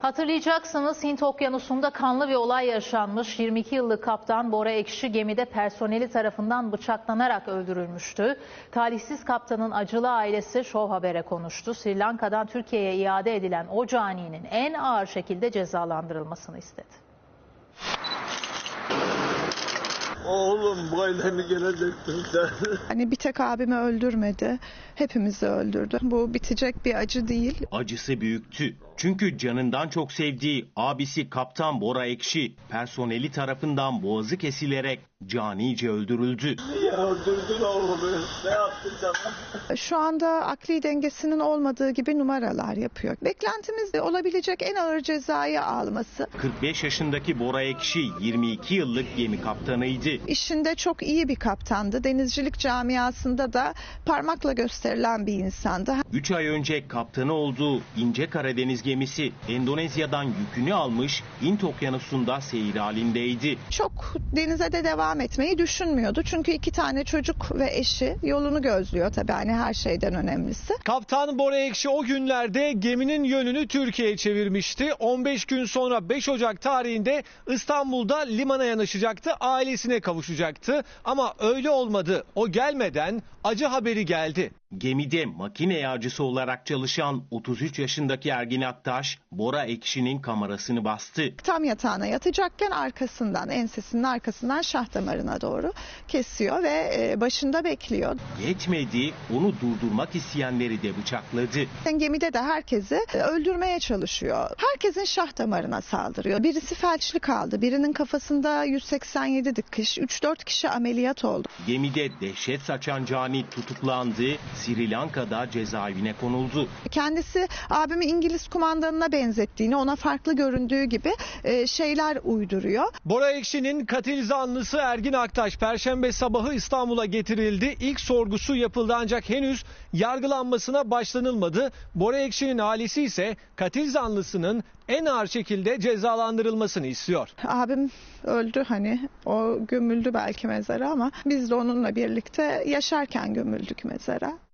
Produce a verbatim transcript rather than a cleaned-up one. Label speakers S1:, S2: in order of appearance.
S1: Hatırlayacaksınız, Hint Okyanusu'nda kanlı bir olay yaşanmış. yirmi iki yıllık kaptan Bora Ekşi gemide personeli tarafından bıçaklanarak öldürülmüştü. Talihsiz kaptanın acılı ailesi Show Haber'e konuştu. Sri Lanka'dan Türkiye'ye iade edilen o caninin en ağır şekilde cezalandırılmasını istedi.
S2: Oğlum böyle mi gelecektin sen?
S3: Hani bir tek abimi öldürmedi, hepimizi öldürdü. Bu bitecek bir acı değil.
S4: Acısı büyüktü. Çünkü canından çok sevdiği abisi Kaptan Bora Ekşi personeli tarafından boğazı kesilerek canice öldürüldü.
S2: Niye öldürdün oğlumu? Ne yaptın sana?
S3: Şu anda akli dengesinin olmadığı gibi numaralar yapıyor. Beklentimiz de olabilecek en ağır cezayı alması.
S4: kırk beş yaşındaki Bora Ekşi yirmi iki yıllık gemi kaptanıydı.
S3: İşinde çok iyi bir kaptandı. Denizcilik camiasında da parmakla gösterilen bir insandı.
S4: üç ay önce kaptanı olduğu İnce Karadeniz gemisi Endonezya'dan yükünü almış, Hint Okyanusu'nda seyir halindeydi.
S3: Çok denize de devam etmeyi düşünmüyordu. Çünkü iki tane çocuk ve eşi yolunu gözlüyor tabii, hani her şeyden önemlisi.
S5: Kaptan Bora Ekşi o günlerde geminin yönünü Türkiye'ye çevirmişti. on beş gün sonra beş Ocak tarihinde İstanbul'da limana yanaşacaktı, ailesine kavuşacaktı. Ama öyle olmadı. O gelmeden acı haberi geldi.
S4: Gemide makine yağcısı olarak çalışan otuz üç yaşındaki Ergin Aktaş, Bora Ekşi'nin kamerasını bastı.
S3: Tam yatağına yatacakken arkasından, ensesinin arkasından şah damarına doğru kesiyor ve başında bekliyor.
S4: Yetmedi, onu durdurmak isteyenleri de bıçakladı.
S3: Gemide de herkesi öldürmeye çalışıyor. Herkesin şah damarına saldırıyor. Birisi felçli kaldı. Birinin kafasında yüz seksen yedi dikiş. üç dört kişi ameliyat oldu.
S4: Gemide dehşet saçan cani tutuklandı. Sri Lanka'da cezaevine konuldu.
S3: Kendisi abimi İngiliz kumandanına benzettiğini, ona farklı göründüğü gibi şeyler uyduruyor.
S5: Bora Ekşi'nin katil zanlısı Ergin Aktaş Perşembe sabahı İstanbul'a getirildi. İlk sorgusu yapıldı ancak henüz yargılanmasına başlanılmadı. Bora Ekşi'nin ailesi ise katil zanlısının en ağır şekilde cezalandırılmasını istiyor.
S3: Abim öldü, hani o gömüldü belki mezara ama biz de onunla birlikte yaşarken gömüldük mezara.